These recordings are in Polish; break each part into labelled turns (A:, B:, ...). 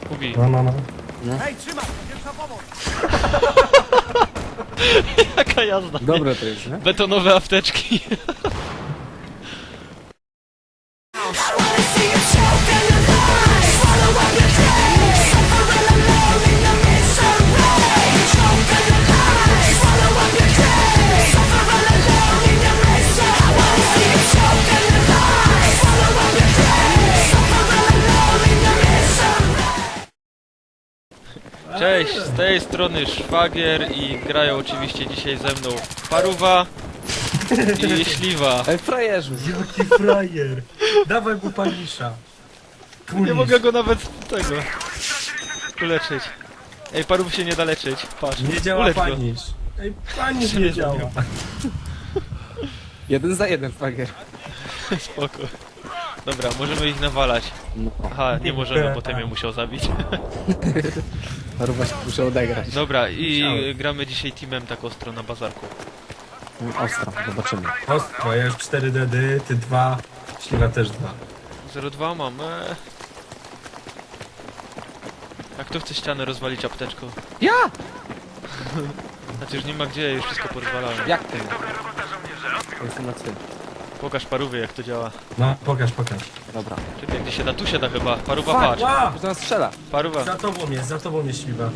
A: Kubi.
B: No.
C: Hej, trzymaj! Pierwsza pomoc!
A: Jaka jazda.
D: Dobre to jest, nie?
A: Betonowe apteczki. Cześć, z tej strony Szwagier i grają oczywiście dzisiaj ze mną Paruwa i Śliwa.
D: Ej, frajerzu!
B: Jaki frajer! Dawaj mu panisza.
A: Nie mogę go nawet tego uleczyć. Ej, Paruw się nie da leczyć, patrz.
B: Nie działa
A: Ulecz go.
B: panisz. Ej, panisz
A: Nie
B: nie działa.
A: działa.
D: 1 za 1, frajer.
A: Spoko. Dobra, możemy ich nawalać.
D: No,
A: Aha, nie możemy, bo ten mnie musiał zabić.
D: Paruwa się muszę odegrać.
A: Dobra, i gramy dzisiaj teamem tak ostro na bazarku.
D: Ostro, zobaczymy.
B: Ostro, ja już 4 dedy, ty 2, Śliwa też 2.
A: 0,2 mam. A kto chce ścianę rozwalić apteczką?
D: Ja!
A: Znaczy już nie ma gdzie, już wszystko porozwalałem.
D: Jak ty? Jestem na celu.
A: Pokaż Parówie jak to działa.
B: No, pokaż.
D: Dobra.
A: Czekaj, gdzie się da? Tu się da chyba. Paruwa,
D: Fuck!
A: patrz.
B: Ła!
D: Już do nas strzela.
A: Paruwa.
B: Za tobą jest Śliwa.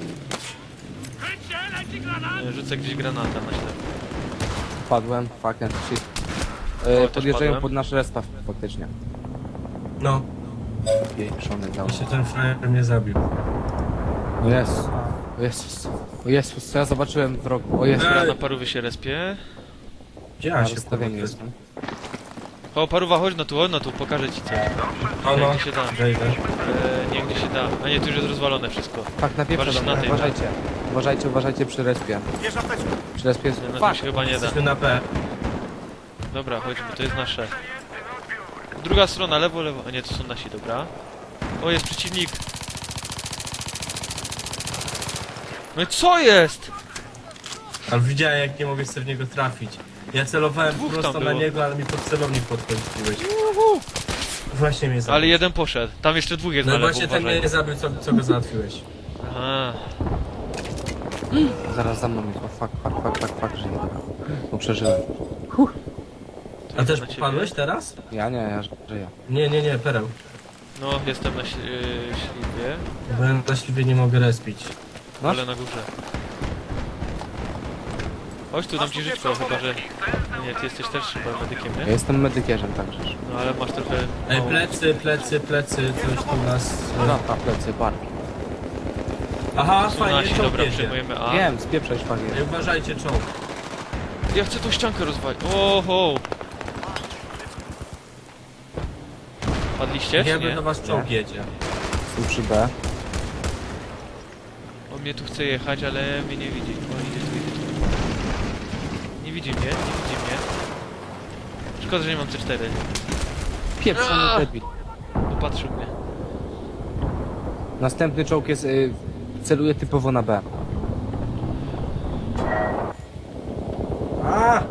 A: Rzucę gdzieś granata na ślep.
D: Padłem, fucking shit.
A: też
D: Podjeżdżają
A: padłem.
D: pod nasz respawn faktycznie.
B: No,
D: Pieprzony dał.
B: i się ten frajer mnie zabił.
D: O Jezus. O Jezus. O Jezus, co ja zobaczyłem w rogu. O Jezus.
A: Dobra, na Parówie się respie.
B: Gdzie
D: Ja
B: ja się
D: rozstawienie
B: kurwa,
D: jestem.
A: O, Paruwa, chodź na tu, pokażę ci coś.
B: no,
A: Gdzie się da?
B: wejdę.
A: Nie, gdzie się da. A nie, tu już jest rozwalone wszystko.
D: Fak, na pieprze
A: Uważaj
D: do
A: na
D: mnie.
A: tej,
D: Uważajcie przy respie.
C: Bierz apteczkę!
D: Przy respie jest...
A: Nie, na tym
D: Fuck!
A: się chyba nie da.
B: Jesteśmy na P.
A: Dobra, chodźmy, to jest nasze. Druga strona, lewo. A nie, to są nasi, dobra. O, jest przeciwnik. No i co jest?
B: Ale widziałem jak nie mogę sobie w niego trafić. Ja celowałem
A: Dwóch
B: prosto
A: tam
B: na
A: było.
B: niego, ale mi pod celownik podchodziłeś. Właśnie mnie zabił.
A: Ale jeden poszedł. Tam jeszcze dwóch jest
B: No
A: na lewo,
B: właśnie ten
A: uważaj.
B: mnie zabił, co go załatwiłeś.
A: Aha.
D: Zaraz za mną jest. O fuck, żyję. No przeżyłem.
B: A też
A: na ciebie.
B: popadłeś teraz?
D: Ja nie, ja żyję.
B: Nie, pereł.
A: No, jestem na śliwie,
B: Bo ja na śliwie nie mogę respić.
D: Masz?
A: ale na górze. Chodź tu, dam ci żyćko, chyba że... Nie, ty jesteś też chyba medykiem,
D: Ja
A: nie?
D: jestem medykierzem także.
A: No, ale masz trochę...
B: Ej,
A: mało.
B: plecy, coś tu nas...
D: Na plecy, Barbie.
B: Aha,
A: Są
B: fajnie,
A: nasi,
B: czołg
A: dobra,
B: jedzie.
A: przejmujemy A.
D: Wiem, spieprzaj szwagier.
B: Ej, uważajcie, czołg.
A: Ja chcę tą ściankę rozwalić. Oho! Padliście, czy
B: Wiemy,
A: nie?
B: do was czołg jedzie.
D: Jestem przy B.
A: On mnie tu chce jechać, ale mnie nie widzi. O, idzie tu. Nie widzi mnie. Szkoda, że nie mam C4.
D: Pieprzony debil.
A: Popatrzył mnie.
D: Następny czołg jest... celuje typowo na B.
B: A!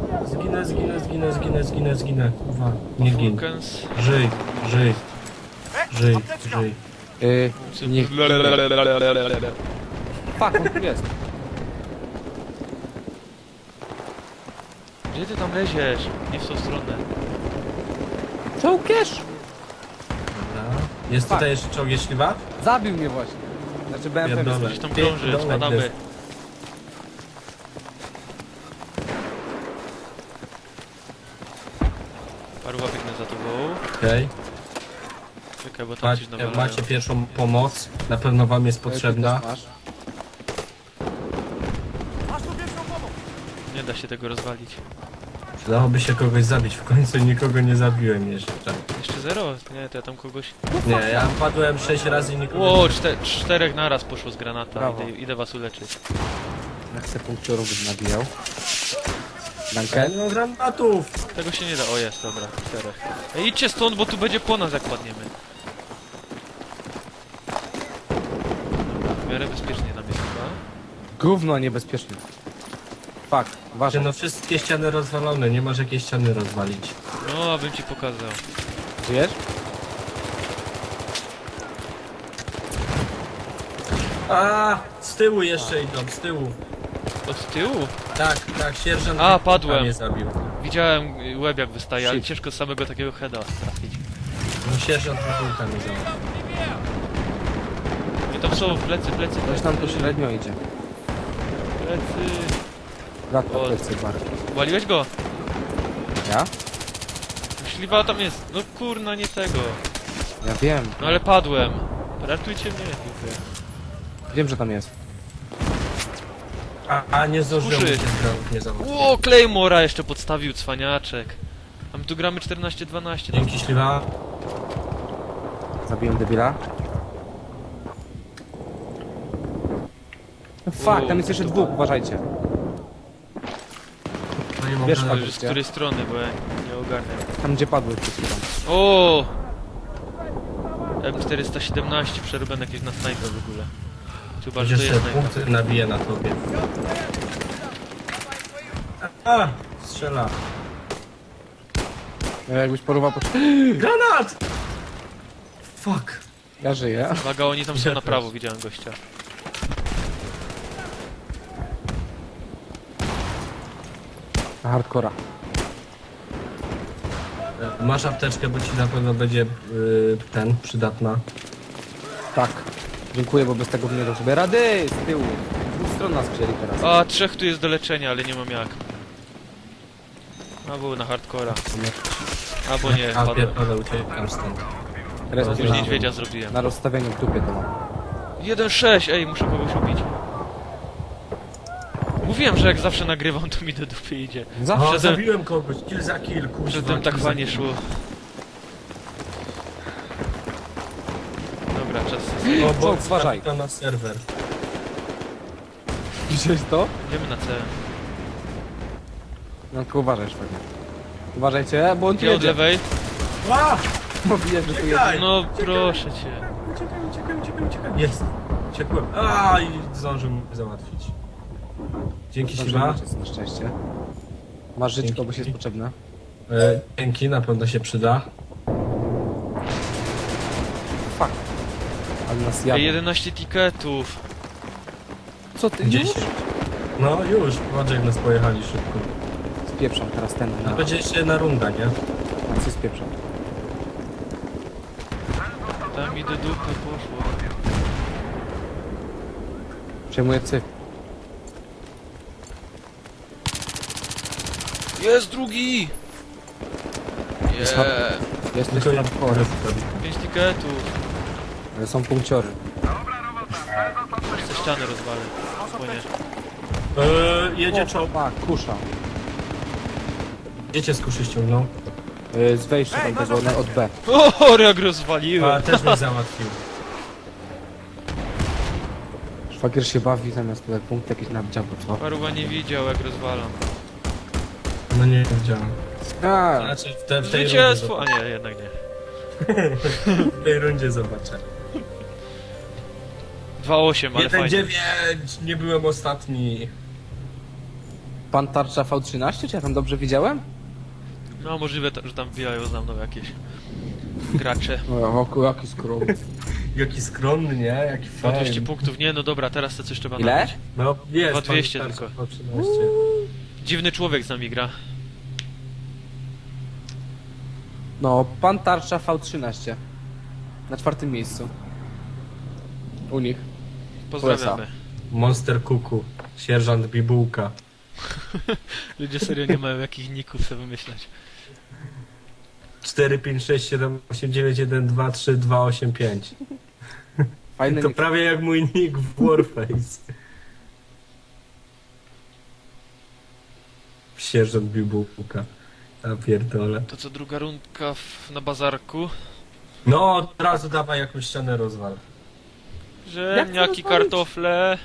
B: Zginę. Kurwa, nie gin.
A: Vulcans.
B: Żyj.
C: Apteczka!
D: Niech... Fuck, on tu jest.
A: Gdzie ty tam leziesz? Nie w tą stronę.
D: Czołgierz!
B: Dobra. Jest tutaj jeszcze czołg, jest śliwa?
D: Zabił mnie właśnie. Znaczy BMP mnie
B: Pierdolę.
A: Gdzieś tam krąży,
B: Pierdolę,
A: spadamy.
B: jest.
A: Paruwa biegnę za tobą.
B: Okej.
A: Czekaj, bo tam coś nawalają.
B: Macie pierwszą pomoc. Na pewno wam jest potrzebna.
D: Masz.
C: Masz tu pierwszą pomoc!
A: Nie da się tego rozwalić.
B: Przydałoby się kogoś zabić. W końcu nikogo nie zabiłem jeszcze.
A: Jeszcze 0? Nie, to ja tam kogoś...
B: Nie, ja padłem 6 razy i nikogo
A: Ło, czterech naraz poszło z granata.
D: Brawo.
A: Idę was uleczyć.
D: Ja chcę punkciorów bym nabijał.
B: nie...
D: Dankę?
B: No granatów!
A: Tego się nie da. O, jest, dobra. 4. Ej, idźcie stąd, bo tu będzie po nas, jak padniemy. Dobra, w miarę bezpiecznie tam jest chyba.
D: Gówno, a niebezpiecznie. Fuck, uważaj.
B: No wszystkie ściany rozwalone, nie masz jakiej ściany rozwalić.
A: No, abym ci pokazał.
D: Żyjesz?
B: A, z tyłu jeszcze idą, z tyłu.
A: Od tyłu?
B: Tak, sierżant
A: A, padłem.
B: mnie zabił.
A: Widziałem łeb jak wystaje, ale
D: Shit.
A: ciężko samego takiego heada trafić.
B: No sierżant Wybułka mnie zabił.
A: I tam są plecy.
D: Coś tam tu średnio idzie.
A: Plecy.
D: Brat
A: O.
D: po plecy bar.
A: Waliłeś go?
D: Ja?
A: Śliwa tam jest. No kurna, nie tego.
D: Ja wiem.
A: No ale padłem. Ratujcie mnie, dziękuję.
D: Wiem, że tam jest.
B: A nie zdążyłem
A: Kuszy.
B: się zgrać, nie zabił.
A: Ło, Claymora jeszcze podstawił, cwaniaczek. A my tu gramy 14-12.
B: Dzięki śliwa.
D: Zabiłem debila. No fuck, tam jest jeszcze dwóch, uważajcie.
B: No nie mogę.
D: Wiesz,
A: To
D: Paweł,
A: już z
D: gdzie?
A: której strony, bo ja nie ogarniam.
D: Tam gdzie padły przed chwilą.
A: O! M417 przerobione jakieś na snajpę w ogóle. Chyba, że to
B: Będziesz
A: jest
B: sobie
A: snajpa.
B: punkty nabije na tobie. A, strzela.
D: Jakbyś porwał po...
B: Granat! Fuck.
D: Ja żyję.
A: Uwaga, oni tam są
B: Ja
A: na
B: też.
A: prawo, widziałem gościa.
D: Na hardcora.
B: Masz apteczkę, bo ci na pewno będzie przydatna.
D: Tak. Dziękuję, bo bez tego bym nie dał sobie rady. Z tyłu. Z dwóch stron nas wzięli teraz.
A: A, 3 tu jest do leczenia, ale nie mam jak. Albo na hardcora. Albo nie,
B: A
A: padłem.
B: pierdolę, uciekam stąd.
D: Teraz
A: Już niedźwiedzia zrobiłem.
D: na rozstawieniu w dupie to mam.
A: 1-6, ej, muszę kogoś ubić. Mówiłem, że jak zawsze nagrywam, to mi do dupy idzie.
D: Zawsze.
B: O,
A: Przedtem-
B: zabiłem kogoś, kill za kill, kuźwa.
A: Przedtem tak
B: kill za
A: fajnie
B: kill.
A: szło. Dobra, czas.
B: O, bo
D: Czołg, uważaj.
B: to na serwer.
D: Widziałeś to?
A: Idziemy na C.
D: No tylko uważaj, szwagier. Uważajcie, bo on tu
A: Nie od
D: jedzie.
A: lewej.
B: A!
D: Bo widać, że tu jedzie.
B: Uciekaj!
A: No proszę cię.
B: Uciekaj. Jest. Uciekłem. A, i zdążył mnie załatwić. Dzięki śliwa.
D: Na szczęście. Masz żyć,
B: Dzięki.
D: komuś jest potrzebne.
B: Dzięki, na pewno się przyda.
D: Fuck. Ale nas
A: Ej,
D: jadą.
A: 11 tiketów.
D: Co ty?
B: 10. No już, patrz jak nas pojechali szybko.
D: Spieprzam teraz ten.
B: To będzie jeszcze jedna runda, nie?
D: A co spieprzam?
A: Tam mi do dupy poszło.
D: Przejmuję cyk.
A: Jest drugi!
D: Jest
A: Yeah.
D: Jesteś
B: Tylko
D: hardcore.
A: 5 tiketów.
D: Ale są punkciory.
A: Te ściany rozwalę. Spłonie.
B: Jedzie czołg.
D: Fuck, kusza.
B: Gdzie cię z kuszy ściągnął?
D: Z wejścia tam tego od B.
A: O, jak
B: A,
A: rozwaliłem.
B: też mnie załatwił.
D: Szwagier się bawi zamiast tutaj punkt jakiś na działku, co?
A: Paruwa nie widział, jak rozwalam.
B: No nie wiedziałem.
D: A,
B: Znaczy w tej rundzie
A: Zwycięstwo! A nie, jednak nie.
B: w tej rundzie zobaczę.
A: 2-8, ale fajnie.
B: 1-9! Nie byłem ostatni.
D: pan tarcza V13, czy ja tam dobrze widziałem?
A: No możliwe, że tam wbijają za mną jakieś gracze.
D: O, jaki skrom.
B: Jaki skromny, nie? Jaki
A: Po
B: fajny.
A: 200 punktów, nie, no dobra, teraz to coś trzeba
D: Ile?
A: nabić.
B: No jest.
A: Chyba 200
B: pan
A: tylko.
B: starszy, po 13.
A: Dziwny człowiek z nami gra.
D: No, pan tarcza V13. Na 4. miejscu. U nich.
A: Pozdrawiamy.
B: Monster Kuku. Sierżant Bibułka.
A: Ludzie serio nie mają jakich ników sobie wymyślać.
B: 4, 5, 6, 7, 8, 9, 1, 2, 3, 2, 8, 5.
D: Fajny
B: To
D: nick.
B: prawie jak mój nick w Warface. Sierżant Bibułka. A pierdolę.
A: To co, druga rundka na bazarku?
B: No, od razu dawaj jakąś ścianę rozwal.
A: Ziemniaki, kartofle.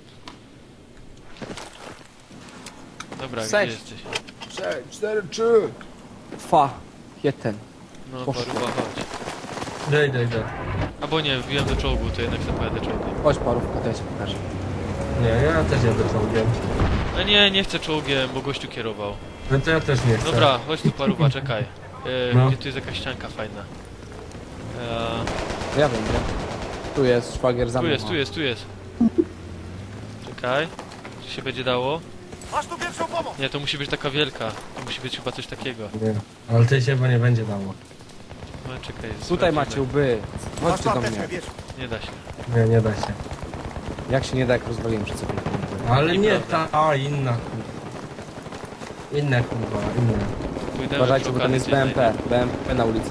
A: Dobra, gdzie
D: Sześć.
A: jesteś?
D: 4, 3. Fa. Jeden.
A: No,
D: Poszło.
A: paruwa, chodź.
B: Daj.
A: Albo nie, wbiłem do czołgu, to jednak zapojadę czołgiem.
D: Chodź parówka, to ja ci pokażę.
B: Nie, ja też jadę czołgiem.
A: A nie chcę czołgiem, bo gościu kierował.
B: No to ja też nie chcę.
A: Dobra, chodź tu paruwa, czekaj.
B: No.
A: Gdzie tu jest jakaś ścianka fajna?
D: Ja wiem, nie? Tu jest szwagier za
A: Tu
D: mną.
A: jest, tu jest, tu jest. Czekaj. Czy się będzie dało?
C: Masz tu pierwszą pomoc!
A: Nie, to musi być taka wielka. To musi być chyba coś takiego.
B: Nie. Ale tej się chyba nie będzie dało.
A: No czekaj.
D: Tutaj
A: sprawdzimy.
D: macie łby.
C: Masz
D: Chodźcie
C: tu
D: do
C: apteczkę,
D: mnie.
C: bierz.
A: Nie da się.
B: Nie da się.
D: Jak się nie da, jak rozwaliłem przed sobie.
B: Ale nie
A: Nieprawda.
B: ta, a inna kurwa. Inna kurwa, inna.
A: Pójdę
D: Uważajcie, bo tam jest BMP. BMP na ulicy.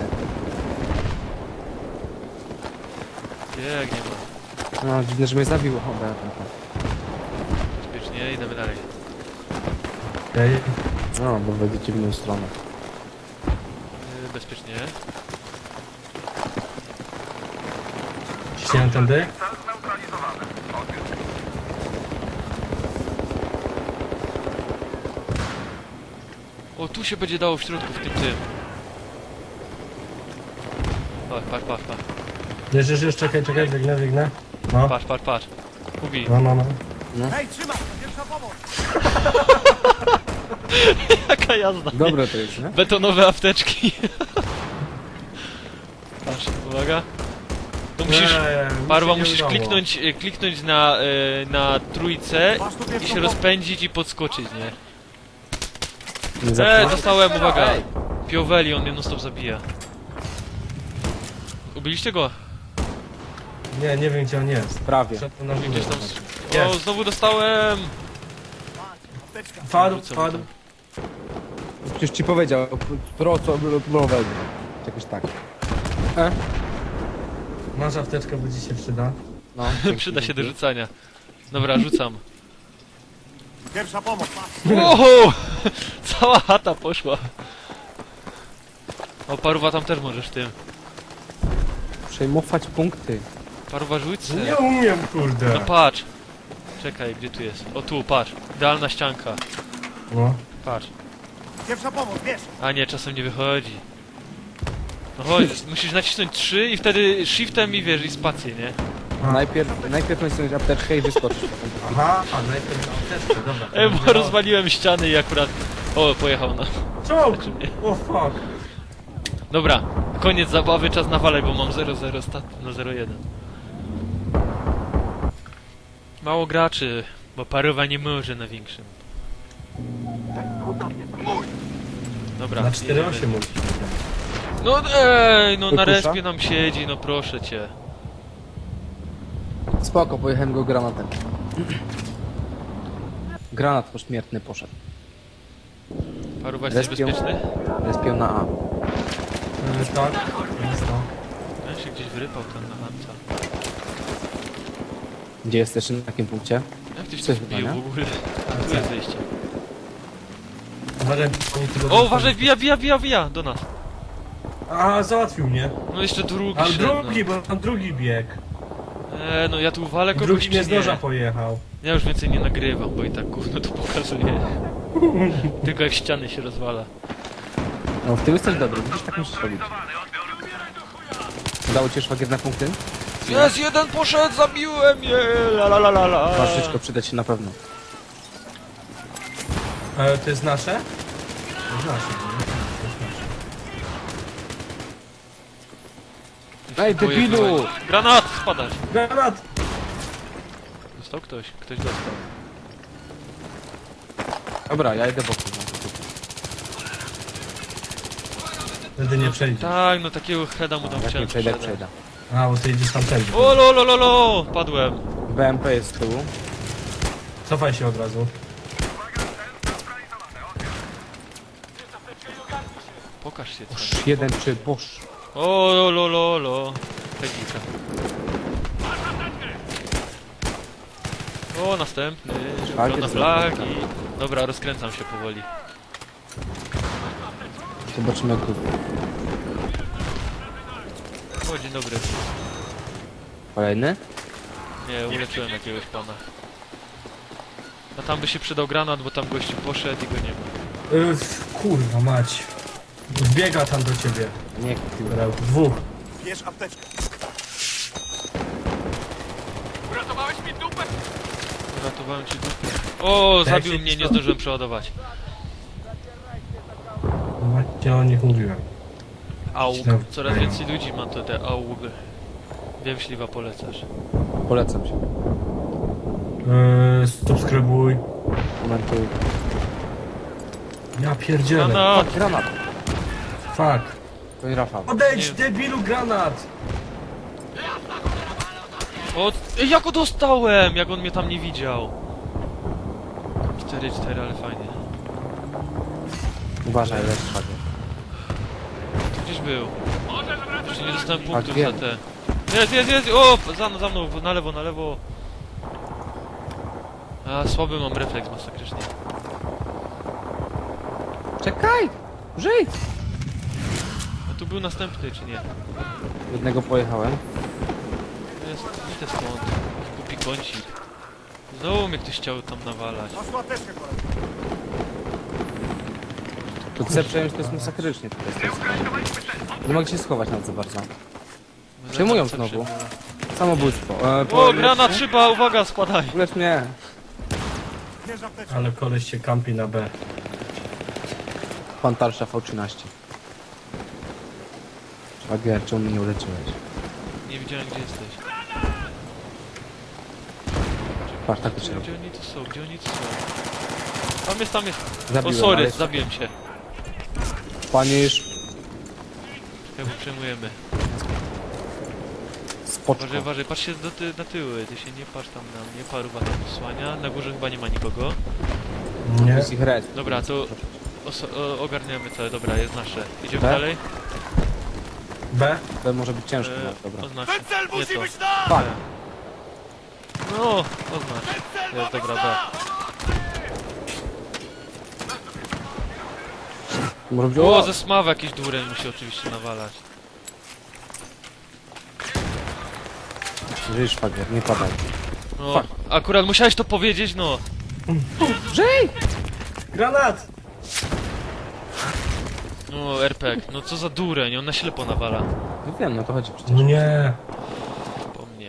A: Biegnie ma.
D: No, dziwne, że mnie zabiło. O, BMP.
A: Bezpiecznie, idziemy dalej.
B: Okej.
D: No, bo wejdziecie w inną stronę.
A: Bezpiecznie.
B: Ciśniemy tędy?
A: O, tu się będzie dało w środku, w tym. Patrz.
B: Już, czekaj, biegnę. No,
A: Patrz. Kubi.
B: no.
C: Hej, trzymaj! Pierwsza pomoc!
A: Jaka jazda.
D: Dobre to jest, nie?
A: Betonowe apteczki. Patrz, uwaga. To musisz... Parwa,
B: mi się nie
A: musisz
B: udało.
A: kliknąć na trójce
C: Masz tu
A: i
C: pierwszą
A: się
C: pomoc!
A: rozpędzić i podskoczyć, nie?
D: Nie zatrzymaj.
A: Dostałem, uwaga.
D: Ej.
A: Pioweli, on mnie non stop zabija. Ubiliście go?
B: Nie wiem gdzie on jest.
D: Prawie.
B: Szedł na górę.
A: Gdzieś tam... O,
B: Jest.
A: znowu dostałem!
C: Apteczka!
B: Wpadł.
D: Przecież ci powiedział. Co jakoś tak.
B: Masz apteczkę, bo ci się przyda.
D: No,
A: Przyda się do rzucania. Dobra, rzucam.
C: Pierwsza pomoc! Masz!
A: Wow! Cała chata poszła. O, paruwa tam też możesz tym.
D: Przejmować punkty.
A: Paruwa rzuć se.
B: Nie umiem, kurde.
A: No patrz. Czekaj, gdzie tu jest? O tu, patrz. Idealna ścianka.
B: No.
A: Patrz.
C: Pierwsza pomoc, bierz!
A: A nie, czasem nie wychodzi. No chodź, musisz nacisnąć 3 i wtedy shiftem i wiesz, i spację, nie?
D: Najpierw nacisnąć apteczkę i wyskoczyć potem.
B: Aha, a najpierw apteczkę, dobra.
A: Bo rozwaliłem ściany i akurat... O, pojechał na...
B: Czołg!
A: Znaczy mnie.
B: O fuck.
A: Dobra, koniec zabawy, czas nawalać, bo mam 0-0 stat na 0-1. Mało graczy, bo paruwa nie może na większym. Dobra,
B: Na
A: jedziemy.
B: 4-8 mówisz.
A: No ej, no na
D: Wykusza?
A: respie nam siedzi, no proszę cię.
D: Spoko, pojechałem go granatem. Granat pośmiertny poszedł.
A: Paruwa, jesteś
D: Respią.
A: bezpieczny?
D: Respią na A.
B: Tak, jest to.
A: Ja się gdzieś wyrypał ten na Hanca.
D: Gdzie jesteś? Na jakim punkcie?
A: Jak tyś to
D: Coś
A: wbił
D: chyba,
A: w
D: nie?
A: ogóle? Tu jest wyjście.
B: Uważaj, oni tu
A: O, uważaj, wbija do nas.
B: A, załatwił mnie.
A: No jeszcze drugi
B: Ale
A: szedł,
B: drugi, bo tam drugi bieg.
A: no ja tu walę
B: I
A: kogoś
B: drugi
A: czy
B: mnie z noża
A: nie?
B: pojechał.
A: Ja już więcej nie nagrywam, bo i tak gówno to pokazuje. Tylko jak ściany się rozwala.
D: No w tym jesteś dobry, widzisz, tak musisz robić. Udało ci się szwagier na punkty?
A: Jest, jeden poszedł, zabiłem je! La la la la la.
D: Twarzyczko przyda ci na pewno.
B: To jest nasze? To jest nasze, nie? To jest nasze.
D: Ej, debilu!
A: Granat! Spadać!
B: Granat!
A: Dostał ktoś? Ktoś dostał.
D: Dobra, ja idę bokiem.
B: Wtedy nie przejdzie.
A: Tak, no takiego heada mu tam
D: Jak nie
A: chciałem
D: przejdę,
A: sprzedać.
D: przejdę.
B: A, bo ty idziesz tamtędy.
A: O lo lo lo lo! Padłem.
D: BMP jest z tyłu.
B: Cofaj się od razu.
A: Pokaż się co.
D: Boż, 1-3, boż.
A: O lo lo lo lo. Technika. O, następny.
D: Szwagier
A: Na flagi. Dobra, rozkręcam się powoli.
D: Zobaczymy jak tu.
A: O, dzień dobry.
D: Kolejny?
A: Nie, uleczyłem jakiegoś pana. A tam by się przydał granat, bo tam gościu poszedł i go nie ma.
B: Kurwa mać. Wbiega tam do ciebie.
D: Nie, kurwa.
B: Dobra, dwóch.
C: Bierz apteczkę!
A: Uratowałem ci dupę. O,
B: Tak
A: zabił
B: się
A: mnie, nie
B: stało.
A: zdążyłem przeładować.
B: Właśnie o nich mówiłem.
A: Aug.
B: Źle.
A: Coraz więcej ludzi ma te aug. Wiem, śliwa polecasz.
D: Polecam się.
B: Subskrybuj.
D: Komentuj.
B: Ja pierdzielę.
A: Granat!
D: Granat.
B: Fuck.
D: To nie Rafał.
B: Odejdź,
A: Nie.
B: debilu, granat!
A: O, ej, jak go dostałem! Jak on mnie tam nie widział. 4-4, ale fajnie.
D: Uważaj, lecz szwagier.
A: Tu gdzieś był. Jeszcze nie dostałem punktów
D: wiem.
A: za te. Jest! O! Za mną, na lewo. A, słaby mam refleks masakrycznie.
D: Czekaj! Żyj!
A: A tu był następny, czy nie?
D: Jednego pojechałem.
A: Idę stąd. Głupi kącik. Znowu mnie ktoś chciał tam nawalać.
C: Masz tu apteczkę, kolego.
D: To chcę przejąć, to jest masakrycznie tutaj z tej strony. Nie mogę się schować nawet za bardzo. Przejmują znowu. Samobójstwo.
A: O, granat, szyba, uwaga, spadaj!
D: Ulecz mnie.
C: Bierz apteczkę.
B: Ale koleś się kampi na B.
D: Pan Tarsza V13. Szwagier, czemu mnie nie uleczyłeś?
A: Nie widziałem, gdzie jesteś.
D: Patrz, tak to się robi.
A: Gdzie oni tu są? Tam jest. O,
D: Zabiłem,
A: sorry,
D: ale-
A: zabiłem się.
D: Panisz.
A: Chyba przejmujemy.
D: Spoczko.
A: Uważaj, patrz się na tyły. Ty się nie patrz tam na mnie, paruwa tam posłania. Na górze chyba nie ma nikogo.
B: Nie.
D: To jest ich red.
A: Dobra, to ogarniamy to. Dobra, jest nasze. Idziemy
D: Tak?
A: dalej?
B: B?
D: To może być ciężko, no, dobra.
A: Oznacz.
C: Ten cel
A: Nie
C: musi
A: to.
C: być tam!
D: Fuck.
A: No, oznacz. Jest dobra, B.
D: Może być...
A: O,
D: O!
A: ze smawa jakiś dureń musi oczywiście nawalać.
D: Żyj, szwagier, nie padaj.
A: No,
D: Fuck.
A: akurat musiałeś to powiedzieć, no.
D: Żyj!
B: Granat!
A: No, RPG. No co za dureń, on na ślepo nawala.
D: No wiem, no to chodzi przecież.
B: No nie.
A: Po mnie.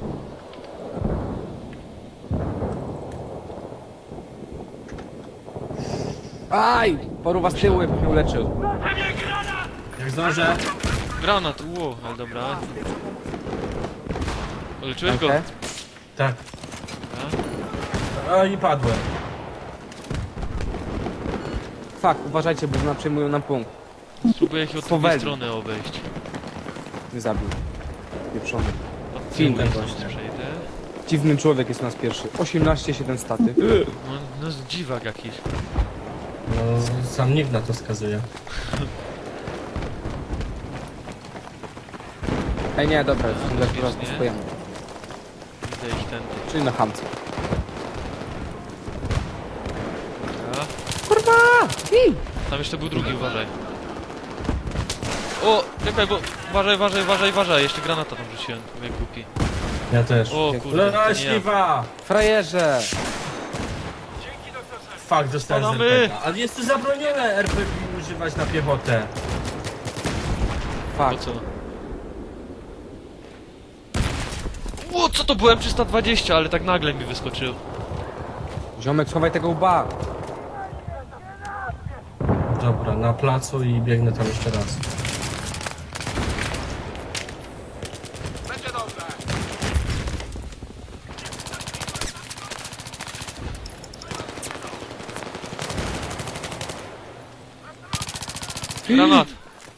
D: Aj! Poruwa z tyłu, jakby mnie uleczył.
B: Jak zdążę?
A: Granat, ale dobra. Uleczyłeś go?
D: Okej.
B: Tak.
A: Dobra.
B: A i padłem.
D: Fuck, uważajcie, bo nam przejmują nam punkt.
A: Spróbuję ich od drugiej
D: Powoli.
A: strony obejść.
D: Nie zabił. Pieprzony.
A: Od
D: Film
A: tyłu
B: właśnie.
A: stąd przejdę.
D: Dziwny człowiek jest u nas pierwszy. 18-7 staty.
A: No dziwak jakiś.
B: No, sam nikt na to wskazuje.
D: Ej, nie, dobra, już teraz
A: Bezpiecznie.
D: spojemy.
A: Widzę ich tędy.
D: Czyli na hamce.
A: Dobra.
D: Kurwa! Bij!
A: Tam jeszcze był drugi, uważaj. O, czekaj, bo... Uważaj. Jeszcze granata tam rzuciłem, jak głupi.
B: Ja też.
A: O kurde, to nie ja.
B: Leśliwa!
D: Frajerze!
B: Fuck, dostałem z
A: Spadamy!
B: RPG. Ale jest tu zabronione RPG używać na piechotę.
A: Po
D: Fuck.
A: co? O, co to byłem? 320, ale tak nagle mi wyskoczył.
D: Ziomek, schowaj tego łba!
B: Dobra, na placu i biegnę tam jeszcze raz.
A: Granat!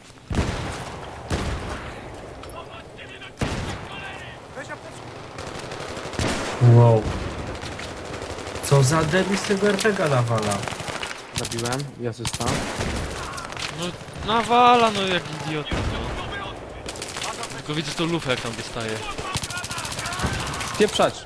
C: Weź apteczkę.
B: Wow. Co za debil z tego RPG nawala?
D: Zabiłem i asysta.
A: No, nawala, no jak idiota, no. Tylko widzę tą lufę, jak tam dostaje.
D: Pieprzać!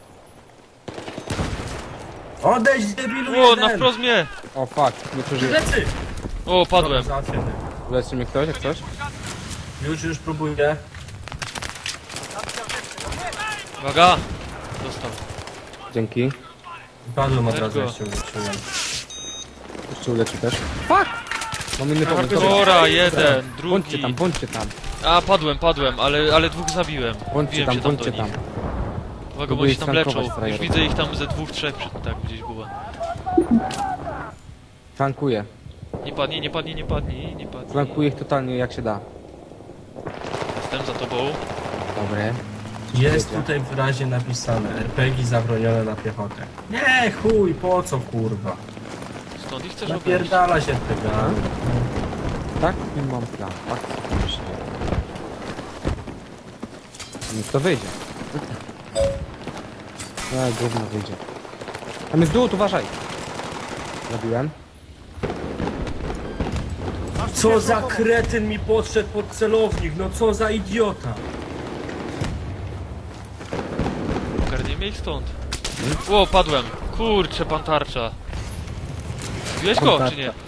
B: Odejdź debilu
A: O,
B: jeden!
A: na wprost mnie!
D: O fuck, nie przeżyję.
B: Lecy!
A: O, padłem.
B: Dobra, załatwiony.
D: Uleczy mnie ktoś, jak coś?
B: Już próbuję.
A: Uwaga! Dostał.
D: Dzięki.
B: Padłem od
A: Let's
B: razu,
A: go.
B: jeszcze uleczyłem.
D: Jeszcze uleczy też. Fuck! Mam inny pomysł. Dobra.
A: Hardcora, jeden,
D: Bądźcie tam,
A: drugi.
D: bądźcie tam.
A: A, padłem, ale dwóch zabiłem.
D: Bądźcie
A: Wbiłem
D: tam,
A: się tam
D: bądźcie
A: do
D: tam.
A: nich. Uwaga, bo
D: Próbuję
A: oni się tam
D: flankować
A: leczą. Już
D: frajerów.
A: widzę ich tam ze dwóch, trzech, tak gdzieś było.
D: Flankuję.
A: Nie padnij.
D: Flankuję ich totalnie jak się da.
A: Jestem za tobą.
D: Dobre.
B: Jest
D: Wiecie.
B: tutaj wyraźnie napisane RPG zabronione na piechotę. Nie, chuj, po co kurwa?
A: Stąd ich chcesz obejść?
B: Napierdala się tego.
D: Tak, mam plan. Tak, co myślę. Niech to wyjdzie. Gówno wyjdzie. Tam jest dół, uważaj. Zabiłem.
B: Co za kretyn mi podszedł pod celownik, no co za idiota.
A: Ogarnijmy ich stąd. O, padłem. Kurczę, pan tarcza. Zbiłeś go,
D: Pan
A: czy nie?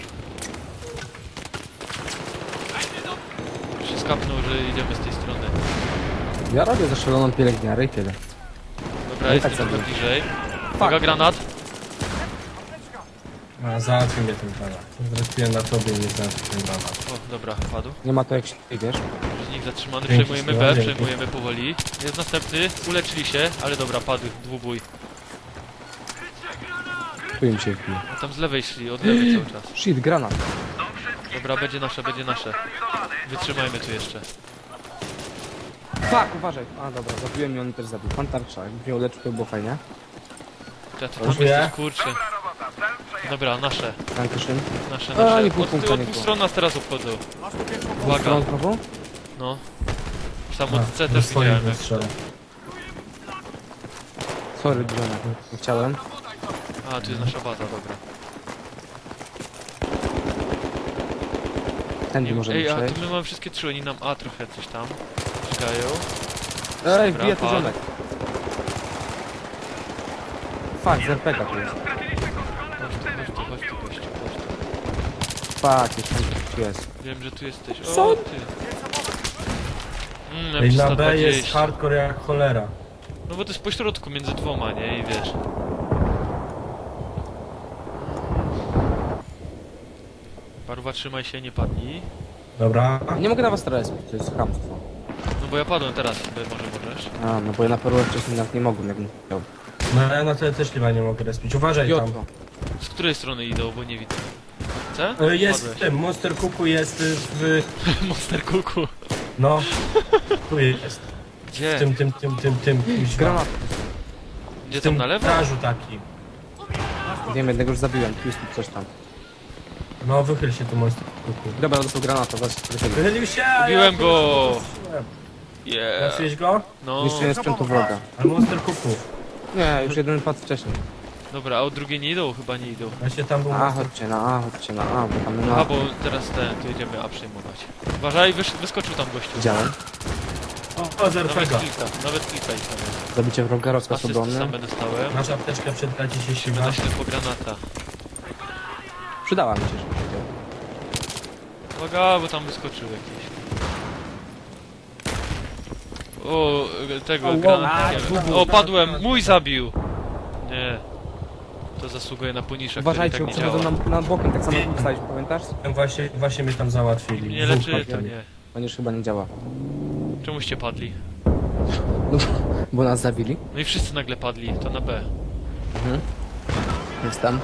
A: Się skapnął, że idziemy z tej strony.
D: Ja robię zaszaloną pielęgniarę i tyle.
A: Dobra,
D: No i
A: jestem
D: tak
A: trochę
D: zabiję.
A: bliżej. Uwaga, granat.
B: A, załatwił mnie ten granat. Zrespiłem na tobie i nie załatwił ten granat.
A: O, dobra, padł.
D: Nie ma to jak się wiesz.
A: Przeciwnik zatrzymany,
B: Dzięki,
A: przejmujemy
B: Stefan,
A: B,
B: dzięki.
A: przejmujemy powoli. Jest następny, uleczyli się, ale dobra, padł, dwubój.
D: Tu im się wbije.
A: A tam z lewej szli, od lewej cały czas.
D: Shit, granat.
A: Dobra, będzie nasze, będzie nasze. Wytrzymajmy tu jeszcze.
D: Fuck, uważaj. A dobra, zabiłem i on też zabił. Pan tarcza, jakby mnie uleczył, to było fajnie.
A: Ty tam
B: Dziękuję.
A: jesteś, kurczę. Dobra, nasze,
D: Dankeschön.
A: nasze,
D: A,
A: nasze.
D: nie pół punkta,
A: Od
D: nie
A: dwóch
D: było.
A: stron nas teraz obchodzą.
C: Masz tu pierwszą
A: Uwaga,
D: Stron znowu?
A: no. Sam od C
B: do
A: też
B: swoich
A: widziałem. jak-
B: wystrzela.
D: Sorry, John, nie chciałem.
A: A, tu jest nasza baza, dobra.
D: Tędy możemy
A: Ej, a
D: przejść.
A: tu my mamy wszystkie trzy, oni nam A trochę coś tam czekają.
D: Ej,
A: Dobra,
D: wbija tu
A: padł.
D: ziomek. Fuck, z RPGa tu jest.
A: Chodź tu, chodź tu, gościu, chodź tu.
D: Fuck, jeszcze tu jest.
A: Wiem, że tu jesteś.
D: Co?
A: O, ty.
B: Ej, na B
A: M320.
B: jest hardcore jak cholera.
A: No bo to jest pośrodku między dwoma, nie? I wiesz. Paruwa, trzymaj się, nie padnij.
B: Dobra.
D: Nie mogę na was teraz, to jest chamstwo.
A: No bo ja padłem teraz, ty może możesz.
D: A, no bo ja na perłę wcześniej nawet nie mogłem, jakbym chciał.
B: No ja na tyle też chyba nie mogę respić. Uważaj tam.
D: Jotko.
A: Z której strony idą, bo nie widzę. C?
B: Jest w
A: Padłeś.
B: tym, Monster Cooku jest w...
A: Monster Kuku.
B: No. Tu jest.
A: Gdzie?
B: Tym, kuźwa.
D: Granat.
A: Gdzie
B: W
A: tam
B: tym
A: na lewo?
B: garażu taki.
D: Wiem, jednego już zabiłem, tu jest tu coś tam.
B: No wychyl się tu Monster Cooku.
D: Dobra, dostał granata, zaraz do siebie.
B: Wychylił się! a
A: Ubiłem
B: ja
A: go!
B: strzeliłem.
A: Yeah.
B: Trafiłeś go?
A: No.
D: Niszczenie sprzętu wroga.
B: Ale Monster Cooku.
D: Nie, już jeden padł wcześniej.
A: Dobra, a od drugiej nie idą? Chyba nie idą.
B: Właśnie tam był
D: A,
B: Monster
D: chodźcie na A, chodźcie na A, bo tam
A: A,
D: na...
A: bo teraz tu jedziemy A przejmować. Uważaj, wyskoczył tam gościu.
D: Widziałem.
B: O, z
A: Nawet
B: RPG.
A: nawet kilka ich tam jest.
D: Zabicie wroga, rozkaz
A: Asysty
D: obrony.
A: same dostałem.
B: Masz apteczkę przed traci się
A: Musimy
B: siła.
A: na ślepo granata.
D: Przydała mi się, że powiedział.
A: Uwaga, bo tam wyskoczył jakiś. O, tego
B: O,
A: granatnikiem.
B: wow.
A: O, padłem! Mój zabił! Nie. To zasługuje na poniżek, który
D: Uważajcie,
A: tak
D: bo
A: nie działa.
D: przychodzą nam bokiem, tak samo jak staliśmy, pamiętasz?
B: Właśnie mnie tam załatwili.
A: Nie
B: Dwóch
A: leczy, to
B: padli.
A: nie.
D: Ponieważ chyba nie działa.
A: Czemuście padli?
D: No, bo nas zabili.
A: No i wszyscy nagle padli, to na B.
D: Jestem.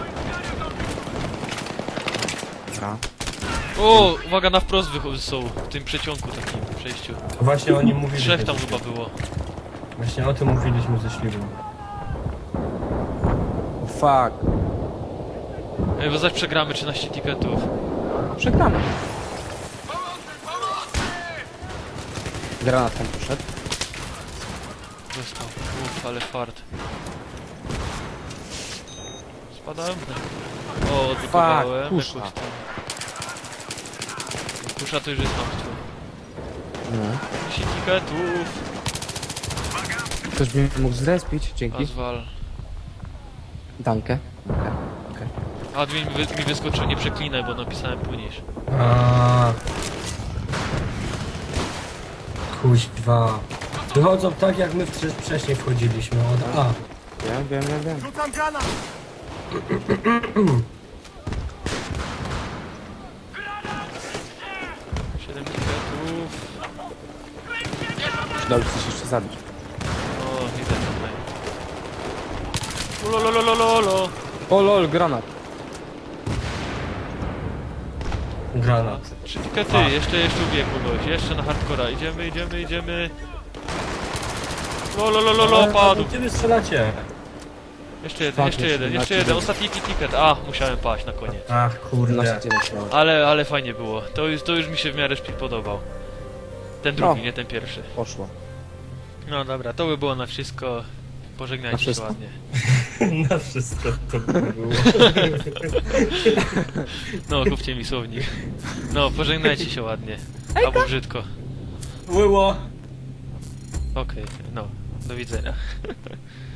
D: Dobra.
A: O, uwaga, na wprost są w tym przeciągu takim przejściu.
B: Właśnie oni mówili.
A: Trzech
B: że-
A: tam chyba było.
B: Właśnie o tym mówiliśmy ze śliwą.
D: O fuck.
A: Ej, bo zaś przegramy 13 tiketów.
D: Przegramy. Granat tam poszedł.
A: Dostał. Uff, ale fart. Spadałem? O, odblokowałem.
D: kusza.
A: Jakąś tam. Kusza to już jest martwy.
D: No.
A: 10 tiketów.
D: Ktoś by mnie mógł zrespić, dzięki.
A: Azwal.
D: Dankę.
A: Admin mi wyskoczył, nie przeklinaj, bo napisałem płyniesz.
B: A. Kuźwa. Wychodzą tak jak my wcześniej wchodziliśmy od A.
D: Wiem.
C: Rzucam granat!
A: 7 tiketów.
D: Przydałoby się coś jeszcze zabić.
A: O, widzę tutaj. Ulololololo.
D: O lol, granat.
B: Granat.
A: 3 tikety, jeszcze ubiję kogoś. Jeszcze na hardcora. Idziemy. Lolololo, padł.
B: Gdzie wy strzelacie?
A: Jeszcze jeden, jeszcze jeden, jeszcze jeden. Ostatni ticket. A, musiałem paść na koniec.
B: Ach, kurde.
D: 12 miałem.
A: Ale fajnie było. To już mi się w miarę szpil podobał. Ten drugi,
D: No.
A: nie ten pierwszy.
D: Poszło.
A: No dobra, to by było na wszystko.
D: Na
A: Pożegnajcie się
D: wszystko?
A: ładnie.
B: Na wszystko to by było.
A: No, kupcie mi słownik. No, pożegnajcie się ładnie. Albo brzydko.
B: Było.
A: Okej, no, do widzenia.